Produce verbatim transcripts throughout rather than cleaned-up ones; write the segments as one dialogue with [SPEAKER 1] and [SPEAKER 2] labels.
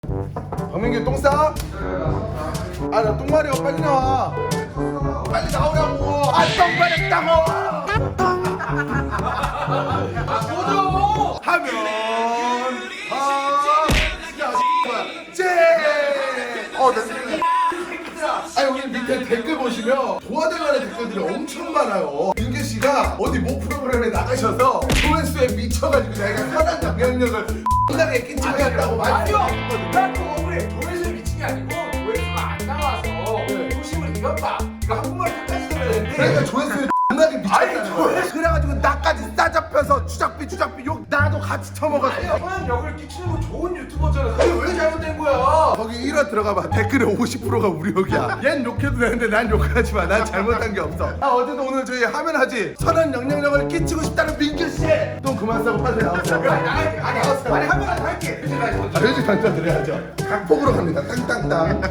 [SPEAKER 1] 박민규 똥 싸? 아 나 똥마려 빨리 나와. 빨리 나오라고. 아 똥마렸다고. 아 보죠. 하면 아 쟤. 어 나. 아니 여기 밑에 댓글 보시면 도와달라는 댓글들이 엄청 많아요. 민규 씨가 어디 모 프로그램에 나가셔서 조회수에 미쳐가지고 자기가 선한 영향력을 상당히 끼치고 있다고 많이
[SPEAKER 2] 아니요. 난 그거를 조회수에 미친 게 아니고 조회수가 안 나와서 도심을 이겼다. 이거 한국말을 끝까지 들어야 되는데.
[SPEAKER 1] 그러니까 조회수에 존나게 미쳤다는 거야. 그래가지고 나까지 싸잡혀서 주작비 주작비 욕 나도 같이 처먹었어.
[SPEAKER 2] 아니야. 선한 역을 끼치는 거 좋은 유튜버잖아. 그게 왜 잘못된 거야?
[SPEAKER 1] 거기 일 화 들어가봐. 댓글의 오십 퍼센트가 우리 욕이야. 얜 욕해도 되는데 난 욕하지 마. 난 잘못한 게 없어. 아 어쨌든 오늘 저희 하면 하지 선한 영향력을 끼치고 싶다는 민규 씨. 돈 그만 싸고 빨리 나오세요.
[SPEAKER 2] 아니 아니 아니 하면 안 할게.
[SPEAKER 1] 아, 회식 한잔 드려야죠. 각폭으로 갑니다. 땅땅땅.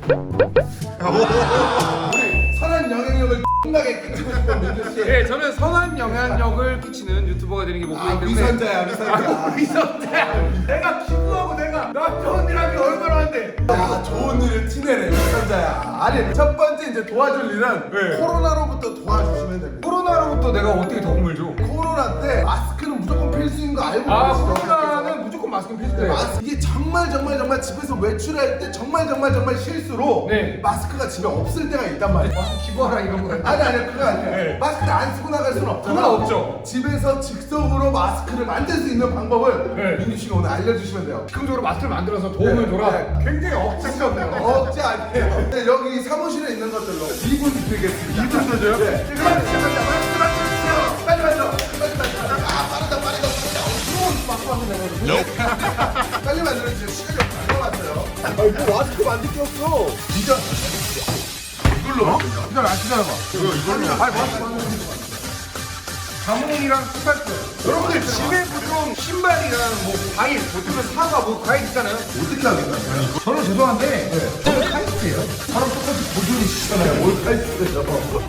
[SPEAKER 1] 우리 선한 영향력을 X나게 끼치고 싶은 민규 씨.
[SPEAKER 2] 네, 저는 선한 영향력을 끼치는 유튜버가 되는 게
[SPEAKER 1] 아,
[SPEAKER 2] 목표이기 때문에.
[SPEAKER 1] 위선자야, 위선자.
[SPEAKER 2] 위선자야. 내가 기부하고 내가 나 좋은 일 하기 얼마나 한데.
[SPEAKER 1] 야, 좋은 일을 티내네, 위선자야. 아니, 첫 번째 이제 도와줄 일은
[SPEAKER 2] 네.
[SPEAKER 1] 코로나로부터 도와주시면 됩니다.
[SPEAKER 2] 코로나로부터 내가 어떻게 도움을 줘?
[SPEAKER 1] 코로나 때 마스크는 무조건 필수인 거 알고
[SPEAKER 2] 아,
[SPEAKER 1] 계시죠?
[SPEAKER 2] 코로나는 무조건 마스크는 필수예요.
[SPEAKER 1] 마스- 이게 정말 정말 정말 집에서 외출할 때 정말 정말 정말 실수로
[SPEAKER 2] 네.
[SPEAKER 1] 마스크가 집에 없을 때가 있단 말이야.
[SPEAKER 2] 마스크 기부하라 이런 거.
[SPEAKER 1] 아니 아니 그거 아니야.
[SPEAKER 2] 네.
[SPEAKER 1] 마스크를 안 쓰고 나갈 수는 없잖아.
[SPEAKER 2] 그건 없죠.
[SPEAKER 1] 집에서 즉석으로 마스크를 만들 수 있는 방법을
[SPEAKER 2] 네.
[SPEAKER 1] 민규 씨가 오늘 알려주시면 돼요.
[SPEAKER 2] 즉흥적으로 마스크를 만들어서 도움을
[SPEAKER 1] 네.
[SPEAKER 2] 줘라.
[SPEAKER 1] 네.
[SPEAKER 2] 굉장히 억지스럽네요.
[SPEAKER 1] 억지 아니에요. 네, 여기 사무실에 있는 것들로 이 분 드리겠습니다.
[SPEAKER 2] 이 분 줘요?
[SPEAKER 1] 네. 빨리 시작하자. 마스크 만들어주세요. 빨리 만들어. 빨리 만들어. 아 빠르다 빠르다 빠르다. 어우 마스크 만들어. 빨리 만들어주세요. 시간이 얼마 남았어요. 아니 뭐 마스크 만들 게 없어. 진짜. 이걸로? 이걸 안 쓰잖아. 이거 이걸로.
[SPEAKER 2] 아니 마스크 만드는 거. 자몽이랑 스파이크. 여러분들 집에 보통 신발이랑 뭐 과일, 보통은 사과, 뭐 과일 있잖아요.
[SPEAKER 1] 어떻게 하겠다요?
[SPEAKER 2] 저는 죄송한데 저는 카이스트예요.
[SPEAKER 1] 사람 똑같이 고졸이시잖아요. 뭘 카이스트예요?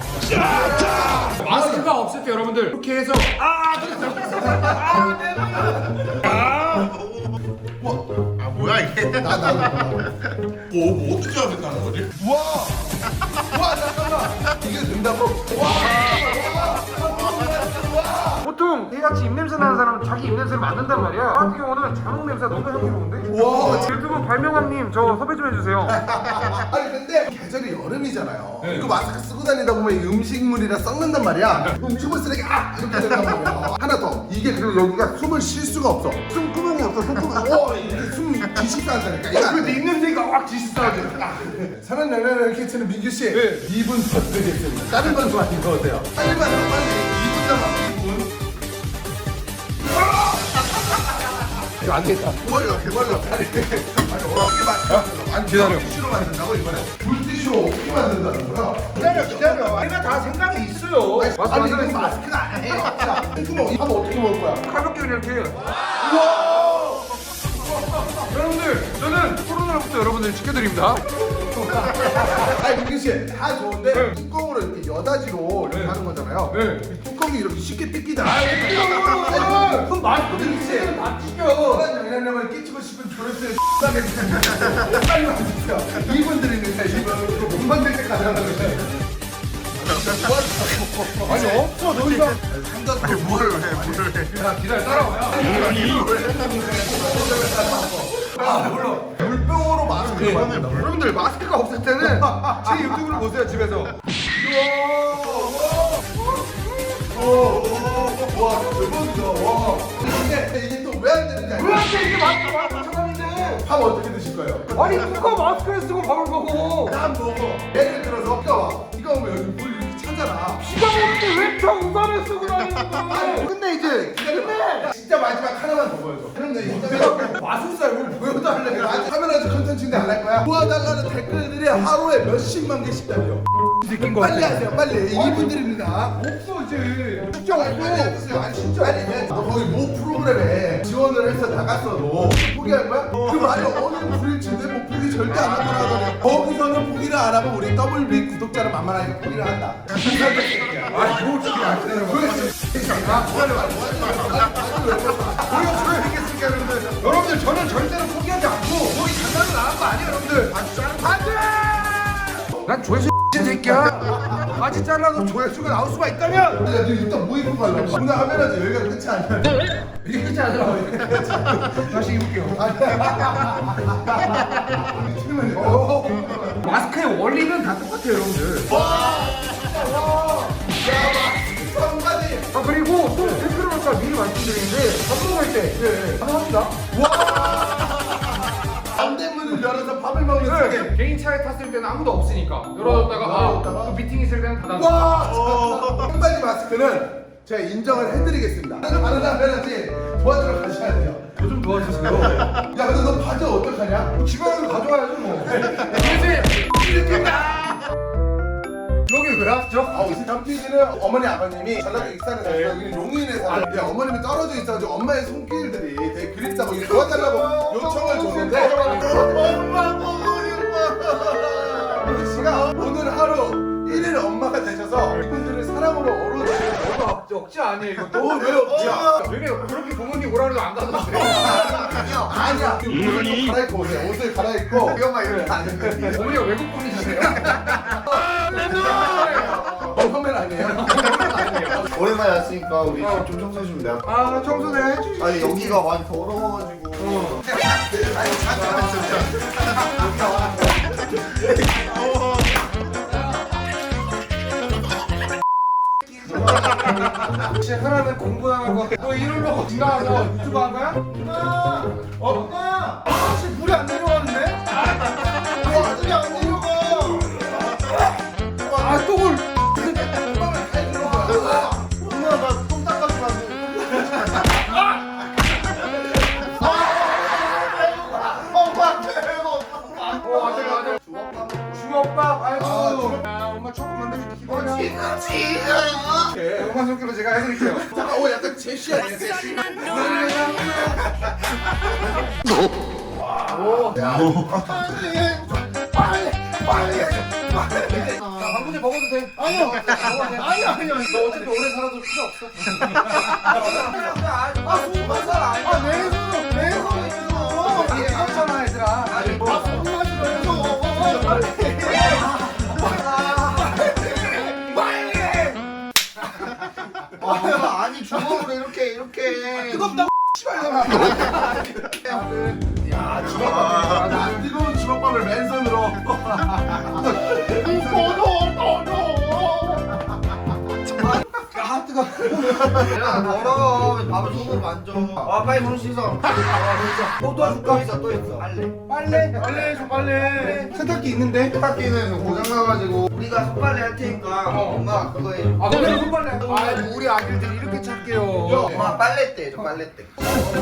[SPEAKER 2] 마스크가 없을 때 여러분들 이렇게 해서 아, 아, 네. 아,
[SPEAKER 3] 아 뭐야 이게?
[SPEAKER 1] 나, 나, 나.
[SPEAKER 3] 뭐, 뭐 어떻게 하겠다는 거지?
[SPEAKER 1] 와! 와, 잠깐만! 이게 된다고? 와!
[SPEAKER 2] 보통 이같이 입냄새 나는 사람은 자기 입냄새를 맡는단 말이야. 저 같은 경우는 자몽 냄새가 너무 향기로운데.
[SPEAKER 1] 와!
[SPEAKER 2] 유튜브 발명왕님 저 섭외 좀 해주세요.
[SPEAKER 1] 아니 근데 계절이 여름이잖아요. 이거 마스크 쓰고 다니다 보면 이 음식물이라 썩는단 말이야. 음식물 쓰레기 아! 이렇게 된단 말이야. 하나 더. 이게 그리고 여기가 숨을 쉴 수가 없어. 숨구멍이 없어. 숨구멍. 오! 이게 숨 기식사한다니까. 이거
[SPEAKER 2] 근데 입냄새가 확 지수사하지.
[SPEAKER 1] 사람 영향을 끼치는 민규 씨.
[SPEAKER 2] 네.
[SPEAKER 1] 이 분 더 드리겠습니다. 다른 건 좀 아닌 것 같아요. 빨리 만들어 빨리. 이 분 남았어. 이 분. 이거 안 되겠다. 개발려, 개발려. 아니, 아니, 어떻게 만든다고? 아니, 기다려. 티슈로 만든다고, 이번에? 물티슈로 어떻게 만든다는 거야?
[SPEAKER 2] 기다려 기다려. 내가 다 생각이 있어요. 마스크
[SPEAKER 1] 아니, 이거
[SPEAKER 2] 만들어.
[SPEAKER 1] 마스크가 아니에요. 자, 탱크먹, 하면 어떻게 먹을 거야?
[SPEAKER 2] 가볍게 그냥 이렇게.
[SPEAKER 1] 우와!
[SPEAKER 2] 여러분들 저는 코로나로부터 여러분들 지켜드립니다.
[SPEAKER 1] 아니, 민규 씨, 다 좋은데,
[SPEAKER 2] 네.
[SPEAKER 1] 뚜껑으로 이렇게 여다지로 이렇게
[SPEAKER 2] 네.
[SPEAKER 1] 하는 거잖아요.
[SPEAKER 2] 네.
[SPEAKER 1] 이 뚜껑이 이렇게 쉽게 뜯기잖아.
[SPEAKER 2] 아, 그럼 마스크
[SPEAKER 1] 민규 씨,
[SPEAKER 2] 다 찢겨.
[SPEAKER 1] 그런 영향력을 끼치고 싶은 조회수에 X하게 주세요. 빨리 와주세요. 이 분 드리는데, 이 분. 못 만들 때까지 하는 거예요.
[SPEAKER 2] 아니 없어 너 이거.
[SPEAKER 3] 아니 뭐를 해 뭐를 해?
[SPEAKER 2] 야 기다려 따라와요.
[SPEAKER 1] 아, 물론 물병으로 마스크를 만든다.
[SPEAKER 2] 여러분들 마스크가 없을 때는 제 유튜브를 보세요 집에서.
[SPEAKER 1] 와, 대박이다. 와. 근데 이게 또 왜 안 되는지 알죠?
[SPEAKER 2] 왜한테 이게 마스크 마스크 처방인데?
[SPEAKER 1] 밥 어떻게 드실 거예요?
[SPEAKER 2] 아니 누가 마스크를 쓰고 밥을 먹어?
[SPEAKER 1] 난 먹어. 예를 들어서 비가 와. 비가 오면 여기 물 이렇게 차잖아.
[SPEAKER 2] 비가 오는데 왜 평상을 쓰고 다니는 거야?
[SPEAKER 1] 근데 이제 기다려봐. 진짜 마지막 하나만 더 보여줘. 그럼 내 인터넷 마술사를 보여달래. 아직 카메라에서 컨텐츠인데 안 할 거야. 도와달라는 댓글들이 하루에 몇십만 개씩 달려.
[SPEAKER 2] 새끼인 거
[SPEAKER 1] 빨리
[SPEAKER 2] 같아.
[SPEAKER 1] 하세요. 빨리. 이분들입니다.
[SPEAKER 2] 없어 이제.
[SPEAKER 1] 진짜 말고 해주세요. 아니 진짜 아니 너 거기 모 프로그램에 지원을 해서 나갔어도 포기할 거야? 그 말이 어느 불일치인데 뭐 포기 절대 안 하더라고. 거기서는 포기를 안 하고 우리 더블 B 구독자를 만만하게 포기를 한다.
[SPEAKER 2] 아니 뭐 지금 안 되는 거야?
[SPEAKER 1] 아 기다려봐. 우리가 보여드리겠습니까 여러분들?
[SPEAKER 2] 여러분들 저는 절대로 포기하지 않고 거기 잠깐
[SPEAKER 1] 여러분들
[SPEAKER 2] 바지 자르 바지! 난 조회수 X 새끼야. 바지 잘라도 조회수가 나올 수가 있다면.
[SPEAKER 1] 야, 너 일단 뭐 입고 가려고? 오늘 하면은 여기가 끝이 아니야.
[SPEAKER 2] 이게 끝이 아니라 다시 입을게요. 어, 마스크의 원리는 다 똑같아요, 여러분들.
[SPEAKER 1] 성가지.
[SPEAKER 2] 아 그리고 또 댓글을 볼까 미리 말씀드리는데 밥 먹을 때 네, 가능합니다.
[SPEAKER 1] 안대문을 열어서 밥을 먹는
[SPEAKER 2] 네.
[SPEAKER 1] 중에.
[SPEAKER 4] 개인 차에 탔을 때는 아무도 없으니까 열어뒀다가
[SPEAKER 1] 열어뒀다가?
[SPEAKER 4] 아, 또 미팅 있을 때는 닫아.
[SPEAKER 1] 와! 청바지 마스크는 제가 인정을 해드리겠습니다. 다른 사람한테 도와주러 가셔야 돼요.
[SPEAKER 2] 저 좀 도와주세요.
[SPEAKER 1] 야, 근데 너 바지 어떡하냐?
[SPEAKER 2] 집에 가서 가져와야죠 뭐. 여기 왜 왔죠?
[SPEAKER 1] 아, 우리 담피디는 어머니 아버님이 전라도 익산에 사서 여기는 용인에 살아요. 야, 어머님이 떨어져 있어가지고 엄마의 손길들이 되게 그립다고 이렇게 도와달라고 요청을 줬는데 엄마 보고 싶어. 민기 씨가 오늘 하루 일 일 엄마가 되셔서 이분들을 사랑으로 어루주시는
[SPEAKER 4] 너무 억지, 억지 아니에요 이거.
[SPEAKER 1] 너무 왜 없지야?
[SPEAKER 4] 되게 그렇게 부모님 오라 그래도 안 가던데.
[SPEAKER 1] 아니야. 옷을 좀 갈아입고 오세요. 옷을 갈아입고
[SPEAKER 3] 엄마 이렇게 안 했는데.
[SPEAKER 4] 어머니가 외국 분이시세요?
[SPEAKER 1] 어, 선배는 아니에요?
[SPEAKER 3] 오랜만에 왔으니까 우리 집 좀 청소해주면 돼요?
[SPEAKER 2] 아 청소 내가 해주시.
[SPEAKER 3] 아니 여기가 많이 더러워가지고. 아니 잠깐만
[SPEAKER 2] 혹시 하나는 공부하는 거. 너 이걸로 지나가서 유튜브 한 거야? 엄마, 엄마, 혹시 물이 안 내려왔는데? 아, 물이 안 내려가. 아 똥을.
[SPEAKER 3] 엄마 나똥 닦아주면 안 돼? 엄마 배고.
[SPEAKER 4] 어 아들 아들.
[SPEAKER 2] 주먹밥. 아이고. 아, 엄마 초코 만들기 기다려. 네, 엄마 손길로 제가 해드릴게요.
[SPEAKER 1] 잠깐, 오, 약간 제시 아니야, 제시?
[SPEAKER 4] 방금에 먹어도 돼.
[SPEAKER 3] 아니요. 아니 아니요.
[SPEAKER 4] 너 어차피 오래 살아도 필요 없어.
[SPEAKER 2] 아, 손맛살 아니야. 아, 내 손, 내 손에서. 이게 괜찮아, 얘들아. 아니, 뭐.
[SPEAKER 3] 아, 아니 주먹으로 이렇게 이렇게.
[SPEAKER 1] 뜨겁다, 씨발놈아.
[SPEAKER 3] 야
[SPEAKER 1] 아, 뜨거운 주먹밥을 맨손으로.
[SPEAKER 2] 아, 뜨거.
[SPEAKER 3] 야 더러워. 왜 밥을 손으로 만져? 아 빨리 손 씻어.
[SPEAKER 2] 또 도와줄까?
[SPEAKER 3] 또 있어 또 있어. 빨래.
[SPEAKER 2] 빨래? 빨래 해줘, 빨래. 세탁기 있는데?
[SPEAKER 3] 세탁기는 고장 나가지고 우리가 손빨래 할 테니까 엄마 그거 해.
[SPEAKER 4] 아 너네 손빨래.
[SPEAKER 2] 아, 우리 아들들이 이렇게 착해요.
[SPEAKER 3] 엄마 빨래 때 해줘 빨래 때.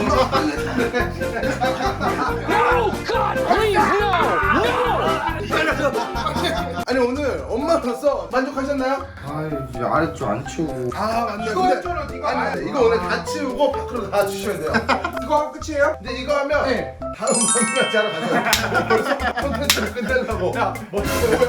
[SPEAKER 1] 아니, 오늘 엄마로서 만족하셨나요?
[SPEAKER 3] 아 이제 아래쪽 안 치우고.
[SPEAKER 1] 아, 맞네.
[SPEAKER 2] 이거
[SPEAKER 1] 근데-
[SPEAKER 2] 했잖아, 네가.
[SPEAKER 1] 아니, 근데 이거 오늘 다 치우고 밖으로 다 주셔야 돼요.
[SPEAKER 2] 이거 하고 끝이에요?
[SPEAKER 1] 근데 이거 하면
[SPEAKER 2] 네.
[SPEAKER 1] 다음 장면까지 하러 가세요. 벌써 콘텐츠를 끝내려고. 야, 뭐,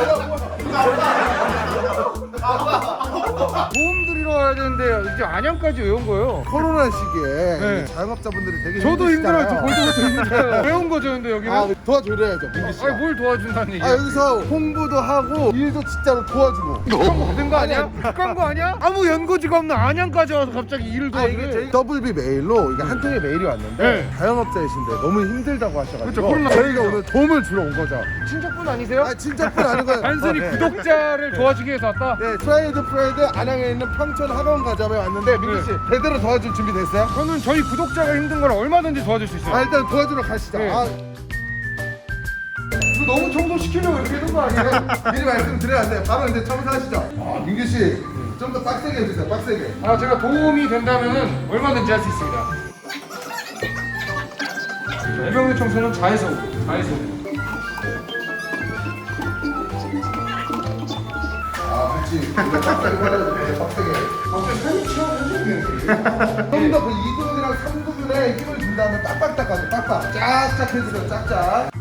[SPEAKER 4] 도움 드리러 와야 되는데 이제 안양까지 왜 온 거예요?
[SPEAKER 1] 코로나 시기에
[SPEAKER 4] 네.
[SPEAKER 1] 자영업자분들이 되게
[SPEAKER 4] 저도 힘들어요. 저
[SPEAKER 1] 힘드시잖아요.
[SPEAKER 4] 볼도 것도 힘들어요. 왜 온 거죠, 근데 여기는?
[SPEAKER 1] 아, 도와드려야죠, 민기 씨가.
[SPEAKER 4] 아니 뭘 도와준다는 얘기야?
[SPEAKER 1] 아, 여기서 홍보도 하고 일도 진짜로 도와주고.
[SPEAKER 4] 그런 거 받은 거 아니야? 그런 거 아니야? 아무 연고지가 없는 안양까지 와서 갑자기 일을
[SPEAKER 1] 아, 이게
[SPEAKER 4] 도와주래.
[SPEAKER 1] 저희 더블비 메일로 이게 한 통의 메일이 왔는데
[SPEAKER 4] 네.
[SPEAKER 1] 자영업자이신데 너무 힘들다고 하셔가지고
[SPEAKER 4] 그렇죠, 코로나
[SPEAKER 1] 저희가 오늘 도움을 주러 온 거죠.
[SPEAKER 4] 친척분 아니세요?
[SPEAKER 1] 아, 진짜뿐 아니고요.
[SPEAKER 4] 단순히
[SPEAKER 1] 아, 네.
[SPEAKER 4] 구독자를 도와주기 위해서 왔다?
[SPEAKER 1] 네, 프라이드 프라이드 안양에 있는 평촌 학원 가자에 왔는데 민기 씨 제대로 도와줄 준비 됐어요?
[SPEAKER 4] 저는 저희 구독자가 힘든 걸 얼마든지 도와줄 수 있어요.
[SPEAKER 1] 아, 일단 도와주러 가시죠.
[SPEAKER 4] 네.
[SPEAKER 1] 아,
[SPEAKER 2] 이거 너무 청소시키려고 이렇게 해놓은 거 아니에요?
[SPEAKER 1] 미리 말씀드려야 돼요. 바로 이제 청소하시죠. 아, 민규 씨, 좀 더 빡세게 해주세요. 빡세게.
[SPEAKER 4] 아, 제가 도움이 된다면 얼마든지 할 수 있습니다. 이병렬 청소는 자해서 자해서.
[SPEAKER 1] 아, 그렇지. 우리가 빡세게 받아야 돼. 빡세게.
[SPEAKER 2] 갑자기 살이 치워주시면
[SPEAKER 1] 좀 더 그 이 구분이랑 삼 구분에 힘을 준 다음에 빡빡 닦아줘. 빡빡. 쫙쫙 해주세요. 쫙쫙.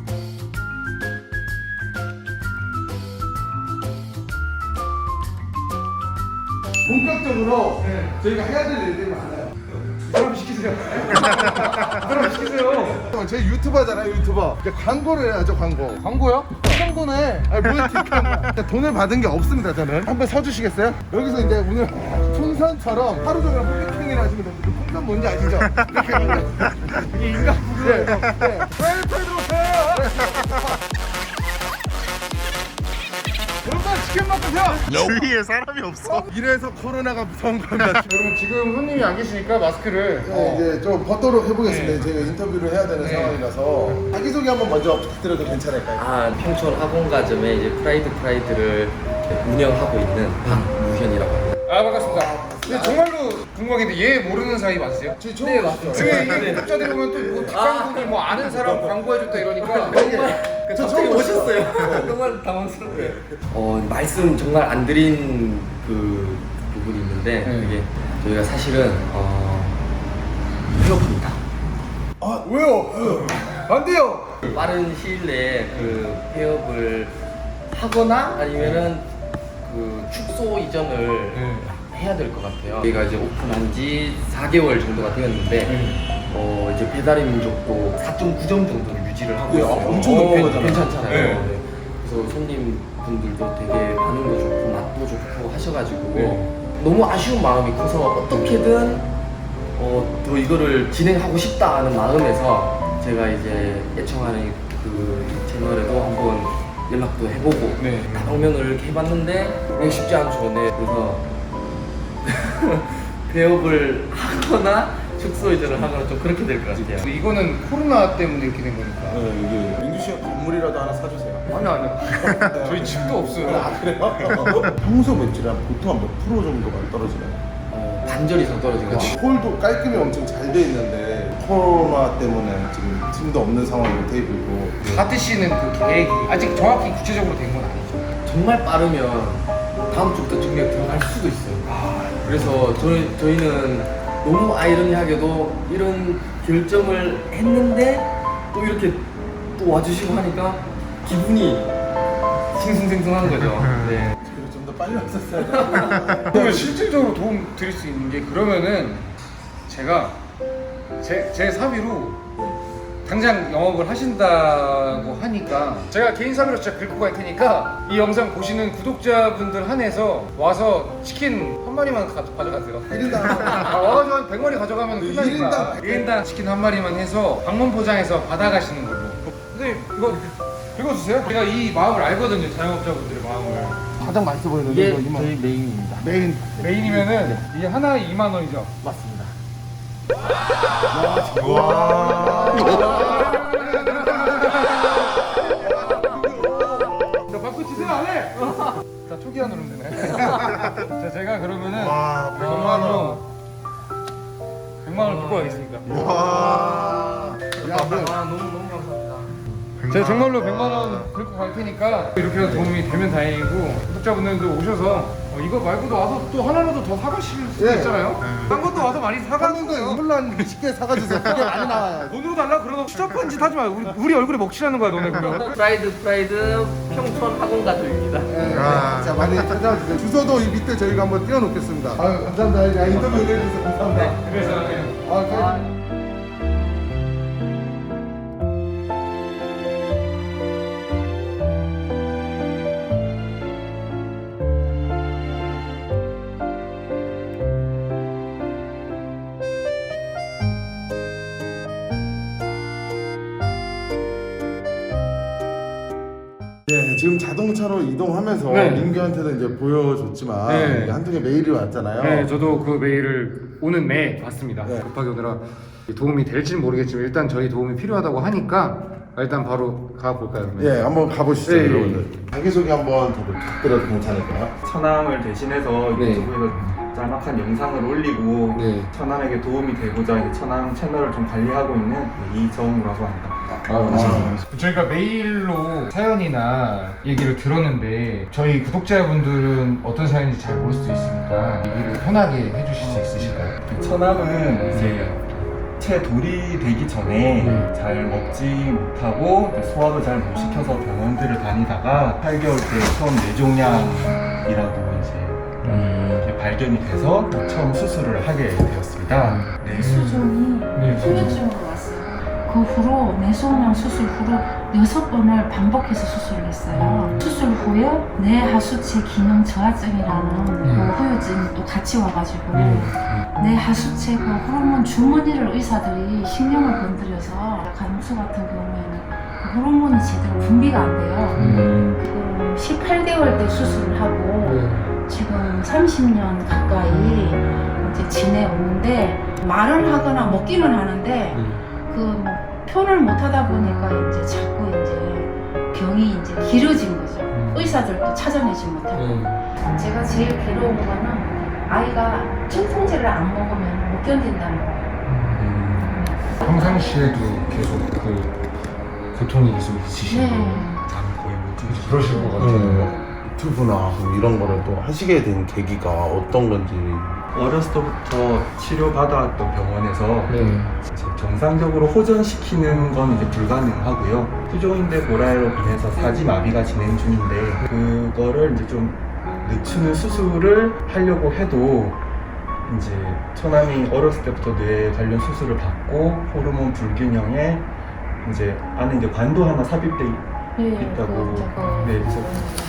[SPEAKER 1] 본격적으로
[SPEAKER 4] 네.
[SPEAKER 1] 저희가 해야 될 일들이 많아요.
[SPEAKER 2] 사람 시키세요. 사람 시키세요.
[SPEAKER 1] 제 유튜버잖아요, 유튜버. 이제 광고를 해야죠, 광고.
[SPEAKER 2] 광고요? 광고네.
[SPEAKER 1] 아니 뭘 뒷광고. 돈을 받은 게 없습니다, 저는. 한번 서주시겠어요? 여기서 이제 오늘 풍선처럼 하루 종일 홀리킹을 하시면 됩니다. 풍선 뭔지 아시죠? 이렇게 하면
[SPEAKER 2] 이게 인간 부르예요.
[SPEAKER 1] 네, 네.
[SPEAKER 2] 빨리 들어오세요. 여러분 치킨 먹으세요.
[SPEAKER 4] 주위에 사람이 없어.
[SPEAKER 1] 이래서 코로나가 무서운 겁니다.
[SPEAKER 2] 여러분 지금 손님이 안 계시니까 마스크를
[SPEAKER 1] 네, 이제 좀 벗도록 해보겠습니다. 제가 인터뷰를 해야 되는 상황이라서 자기소개 한번 먼저 부탁드려도 괜찮을까요?
[SPEAKER 5] 아, 평촌 학원가점에 이제 프라이드 프라이드를 운영하고 있는 박무현이라고 합니다.
[SPEAKER 2] 아 반갑습니다. 근데 정말로 궁금한 게 얘 모르는 사이 맞으세요?
[SPEAKER 1] 저 처음 네, 맞죠.
[SPEAKER 2] 왜 이 구독자들이 보면 또뭐 닭강국이 뭐 아는 사람 광고해줬다 이러니까
[SPEAKER 5] 정말
[SPEAKER 1] 저
[SPEAKER 5] 갑자기
[SPEAKER 1] 처음
[SPEAKER 5] 오셨어요. 정말 당황스럽게. 어 말씀 정말 안 드린 그 부분이 있는데
[SPEAKER 2] 네.
[SPEAKER 5] 그게 저희가 사실은 어 폐업합니다.
[SPEAKER 1] 아 왜요?
[SPEAKER 2] 안 돼요.
[SPEAKER 5] 빠른 시일 내에 그 폐업을 하거나 아니면은 그 축소 이전을 해야 될 것 같아요. 저희가 이제 오픈한 지 사 개월 정도가 되었는데 어 이제 배달의 민족도 사 점 구 점 정도를 유지를 하고
[SPEAKER 1] 네,
[SPEAKER 5] 있어요.
[SPEAKER 1] 엄청 높은
[SPEAKER 5] 괜-
[SPEAKER 1] 거잖아요.
[SPEAKER 5] 괜찮잖아요.
[SPEAKER 2] 네.
[SPEAKER 5] 네. 그래서 손님분들도 되게 반응도 좋고 맛도 좋고 하셔가지고
[SPEAKER 2] 네.
[SPEAKER 5] 너무 아쉬운 마음이 커서 어떻게든 어, 더 이거를 진행하고 싶다는 마음에서 제가 이제 애청하는 그 채널에도 한번 연락도 해보고
[SPEAKER 2] 네.
[SPEAKER 5] 방면을 이렇게 해봤는데 이게 쉽지 않죠. 네. 그래서 폐업을 하거나 축소 이전을 하거나 좀 그렇게 될 것 같아요.
[SPEAKER 2] 이거는 코로나 때문에 이렇게 된 거니까.
[SPEAKER 1] 네, 이게 민규 씨가 건물이라도 하나 사주세요.
[SPEAKER 2] 아니 아니요. 저희 집도 없어요.
[SPEAKER 1] 아 그래요? 평소 매출이 한 보통 한 몇 프로 정도가 떨어지나요?
[SPEAKER 5] 어, 반절 이상 떨어진 것 같아요.
[SPEAKER 1] 홀도 깔끔히 엄청 잘 돼 있는데 코로나 때문에 지금 팀도 없는 상황이고 테이블도
[SPEAKER 2] 하트 씨는 그 계획이 아직 정확히 구체적으로 된 건 아니죠.
[SPEAKER 5] 정말 빠르면 다음 주부터 정리가 들어갈 수도 있어요. 그래서 저희, 저희는 너무 아이러니하게도 이런 결정을 했는데 또 이렇게 또 와주시고 하니까 기분이 싱숭생숭한 거죠. 네.
[SPEAKER 1] 좀 더 빨리 왔었어요.
[SPEAKER 2] 그러면 실질적으로 도움 드릴 수 있는 게 그러면은 제가 제, 제 사비로 당장 영업을 하신다고 하니까 제가 개인 사비로 진짜 긁고 갈 테니까 이 영상 보시는 구독자분들 한해서 와서 치킨 한 마리만 가, 가져가세요.
[SPEAKER 1] 일 인당
[SPEAKER 2] 아, 와가지고 한 백 마리 가져가면
[SPEAKER 1] 일
[SPEAKER 2] 끝나니까
[SPEAKER 1] 인당
[SPEAKER 2] 일 인당 치킨 한 마리만 해서 방문 포장해서 받아가시는 걸로. 근데 이거 읽어주세요. 제가 이 마음을 알거든요. 자영업자분들의 마음을.
[SPEAKER 1] 가장 맛있어 보이는
[SPEAKER 5] 이게
[SPEAKER 1] 거 이만.
[SPEAKER 5] 저희 메인입니다.
[SPEAKER 1] 메인
[SPEAKER 2] 메인이면은 이게 하나에 이만 원이죠.
[SPEAKER 5] 맞습니다.
[SPEAKER 2] 자, 바꾸 치세요 안 해? 자, 초기화 누르면 되네. 자, 제가 그러면은 백만 원, 백만 원 긁고 가겠습니다.
[SPEAKER 1] 와. 야, 뭐,
[SPEAKER 5] 아, 너무 너무 감사합니다.
[SPEAKER 2] 제가 정말로 백만 원 긁고 갈 테니까 이렇게 해서 도움이 되면 다행이고 구독자분들도 오셔서 어, 이거 말고도 와서 또 하나라도 더 사가실 수도
[SPEAKER 1] 예.
[SPEAKER 2] 있잖아요. 딴 것도 와서 많이
[SPEAKER 1] 하는
[SPEAKER 2] 사가는
[SPEAKER 1] 거
[SPEAKER 2] 거예요.
[SPEAKER 1] 이걸로 한 이십 개 사가주세요. 그게 많이 나와요.
[SPEAKER 2] 돈으로 달라? 그러다 추잡한 짓 하지 마요. 우리, 우리 얼굴에 먹칠하는 거야 너네 그러면.
[SPEAKER 5] 프라이드 프라이드 평촌 학원가족입니다.
[SPEAKER 1] 아, 자 많이 찾아와 주세요. 주소도 이 밑에 저희가 한번 띄워놓겠습니다. 아유 감사합니다. 야, 인터뷰 해주셔서 감사합니다.
[SPEAKER 2] 그래서
[SPEAKER 1] 아, 저희- 네, 지금 자동차로 이동하면서
[SPEAKER 2] 네.
[SPEAKER 1] 민규한테도 이제 보여줬지만
[SPEAKER 2] 네.
[SPEAKER 1] 이게 한통의 메일이 왔잖아요.
[SPEAKER 2] 네, 저도 그 메일을 오는 내 봤습니다.
[SPEAKER 1] 네.
[SPEAKER 2] 급하게 오느라 도움이 될지는 모르겠지만 일단 저희 도움이 필요하다고 하니까 일단 바로 가볼까요? 그러면?
[SPEAKER 1] 예, 한번 가보시죠,
[SPEAKER 2] 네.
[SPEAKER 1] 여러분들. 자기소개 한번 더 부탁드려도 괜찮을까요?
[SPEAKER 6] 천암을 대신해서
[SPEAKER 5] 네.
[SPEAKER 6] 유튜브에서 짤막한 영상을 올리고
[SPEAKER 5] 네.
[SPEAKER 6] 천암에게 도움이 되고자 이제 천암 채널을 좀 관리하고 있는 이정우라고 합니다.
[SPEAKER 1] 아,
[SPEAKER 2] 저희가 메일로 사연이나 얘기를 들었는데 저희 구독자분들은 어떤 사연인지 잘 모를 수도 있으니까 얘기를 편하게 해주실 수 있으실까요?
[SPEAKER 6] 천암은 이제 채돌이 되기 전에
[SPEAKER 2] 네.
[SPEAKER 6] 잘 먹지 못하고 이제 소화도 잘 못 시켜서 병원들을 다니다가 팔 개월 때 처음 뇌종양이라고 이제 이렇게 발견이 돼서 처음 수술을 하게 되었습니다. 있습니다. 네.
[SPEAKER 7] 수종이
[SPEAKER 6] 네,
[SPEAKER 7] 후유증으로 왔어요. 그 후로 뇌소양 수술 후로 여섯 번을 반복해서 수술을 했어요. 수술 후에 뇌 하수체 기능 저하증이라는 그 후유증이 또 같이 와가지고 뇌 하수체 그 호르몬 주머니를 의사들이 신경을 건드려서 간수 같은 경우에는 그 호르몬이 제대로 분비가 안 돼요. 지금 십팔 개월 때 수술을 하고 지금 삼십 년 가까이 이제 지내오는데 말을 하거나 먹기는 하는데 그 뭐 표현을 못 하다 보니까 이제 자꾸 이제 병이 이제 길어진 거죠. 의사들도 찾아내지 못하고. 제가 제일 괴로운 거는 아이가 진통제를 안 먹으면 못 견딘다는 거예요.
[SPEAKER 2] 평상시에도 계속 그 고통이 계속 있으시고
[SPEAKER 7] 네.
[SPEAKER 6] 잠 거의 못 주무시고
[SPEAKER 2] 그러실 것 같아요.
[SPEAKER 1] 유튜브나 뭐 이런 거를 또 하시게 된 계기가 어떤 건지.
[SPEAKER 6] 어렸을 때부터 치료받아왔던 병원에서
[SPEAKER 2] 네.
[SPEAKER 6] 이제 정상적으로 호전시키는 건 이제 불가능하고요. 후종인대 고라로 인해서 사지마비가 진행 중인데 그거를 이제 좀 늦추는 수술을 하려고 해도 이제 처남이 어렸을 때부터 뇌 관련 수술을 받고 호르몬 불균형에 이제 안에 이제 관도 하나 삽입돼 있-
[SPEAKER 7] 네,
[SPEAKER 6] 있다고.
[SPEAKER 7] 그 저거.
[SPEAKER 6] 네, 그래서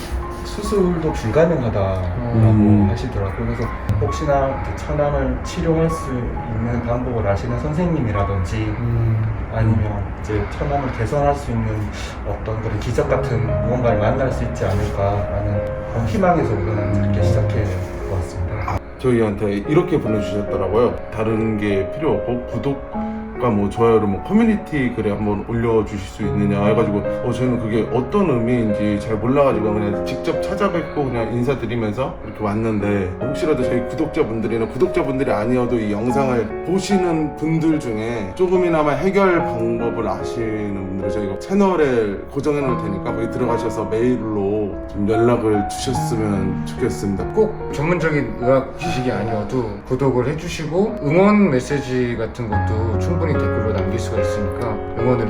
[SPEAKER 6] 수술도 불가능하다라고
[SPEAKER 2] 음.
[SPEAKER 6] 하시더라고요. 그래서 혹시나 이렇게 처남을 치료할 수 있는 방법을 아시는 선생님이라든지
[SPEAKER 2] 음.
[SPEAKER 6] 아니면 이제 처남을 개선할 수 있는 어떤 그런 기적 같은 무언가를 만날 수 있지 않을까라는 그런 희망에서 우리는 이렇게 시작해 보았습니다.
[SPEAKER 1] 저희한테 이렇게 보내주셨더라고요. 다른 게 필요 없고 구독과 뭐 좋아요를 뭐 커뮤니티 글에 한번 올려주실 수 있느냐 해가지고 어 저희는 그게 어떤 의미인지 잘 몰라가지고 그냥 직접 찾아뵙고 그냥 인사드리면서 이렇게 왔는데 혹시라도 저희 구독자분들이나 구독자분들이 아니어도 이 영상을 보시는 분들 중에 조금이나마 해결 방법을 아시는 분들은 저희가 채널에 고정해 놓을 테니까 거기 들어가셔서 메일로 좀 연락을 주셨으면 좋겠습니다.
[SPEAKER 2] 꼭 전문적인 의학 지식이 아니어도 구독을 해주시고 응원 메시지 같은 것도 충분히 댓글로 남길 수가 있으니까 응원을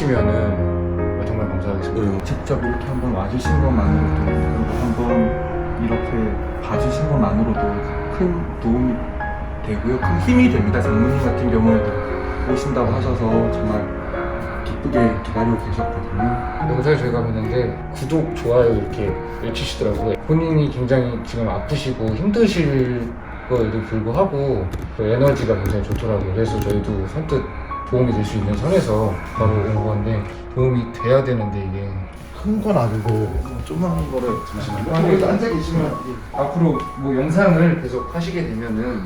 [SPEAKER 2] 해주시면은 정말 감사하겠습니다.
[SPEAKER 6] 직접 이렇게 한번 와주신 것만으로도 그리고 한번 이렇게 봐주신 것만으로도 큰 도움이 되고요. 큰 힘이 됩니다. 장모님 같은 경우에도 오신다고 하셔서 정말 기쁘게 기다리고 계셨거든요.
[SPEAKER 2] 영상에 저희가 봤는데 구독, 좋아요 이렇게 외치시더라고요. 본인이 굉장히 지금 아프시고 힘드실 거에도 불구하고 그 에너지가 굉장히 좋더라고요. 그래서 저희도 선뜻 도움이 될 수 있는 선에서 바로 온 건데 도움이 돼야 되는데 이게
[SPEAKER 1] 큰 건 아니고 조그마한 거를 잠시만요.
[SPEAKER 2] 아,
[SPEAKER 1] 여기 앉아 계시면
[SPEAKER 2] 앞으로 뭐 영상을 계속 하시게 되면은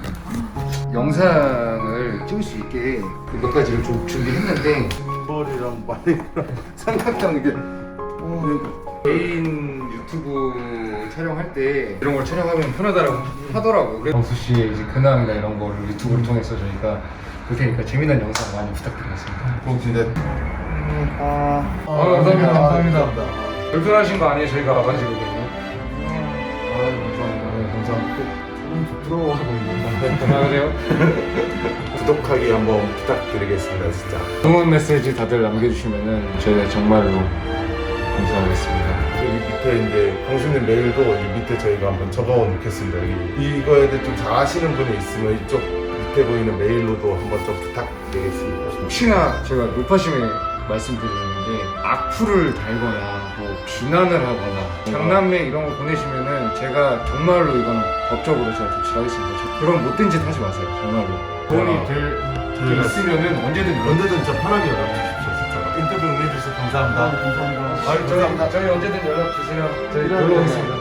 [SPEAKER 2] 영상을 찍을 수 있게 몇 가지를 좀 준비했는데
[SPEAKER 1] 머리랑 머리랑 삼각형 이게 어,
[SPEAKER 2] 개인 유튜브 촬영할 때 이런 걸 촬영하면 편하다고 하더라고요. 그래서 정수 씨의 이제 근황이나 이런 거를 유튜브를 통해서 저희가 볼 테니까 재미난 영상 많이 부탁드리겠습니다.
[SPEAKER 1] 그럼 진짜
[SPEAKER 2] 아, 감사합니다. 감사합니다. 불편하신 거 아니에요? 저희가 와가지거든요. 아, 감사합니다. 네, 감사합니다.
[SPEAKER 1] 부러워하고 있는데
[SPEAKER 2] 아, 그래요?
[SPEAKER 1] 구독하기 한번 부탁드리겠습니다 진짜.
[SPEAKER 2] 응원 메시지 다들 남겨주시면은 저희가 정말로 감사하겠습니다.
[SPEAKER 1] 여기 밑에 이제 광수님 메일도 이 밑에 저희가 한번 적어 놓겠습니다. 여기 이거에 대해 좀 잘 아시는 분이 있으면 이쪽 밑에 보이는 메일로도 한번 좀 부탁드리겠습니다.
[SPEAKER 2] 혹시나 제가 높아심에 말씀드리는데 악플을 달거나 뭐 비난을 하거나 장난매 이런 거 보내시면은 제가 정말로 이건 법적으로 제가 조치하겠습니다. 그런 못된 짓 하지 마세요. 정말로 도움이 될, 될 있으면은 언제든 연락
[SPEAKER 1] 언제든 저 편하게 연락 주십시오 진짜. 인터뷰 응해주셔서 감사합니다. 감사합니다.
[SPEAKER 2] 저희, 저희 언제든 연락 주세요. 저희 놀러 오겠습니다.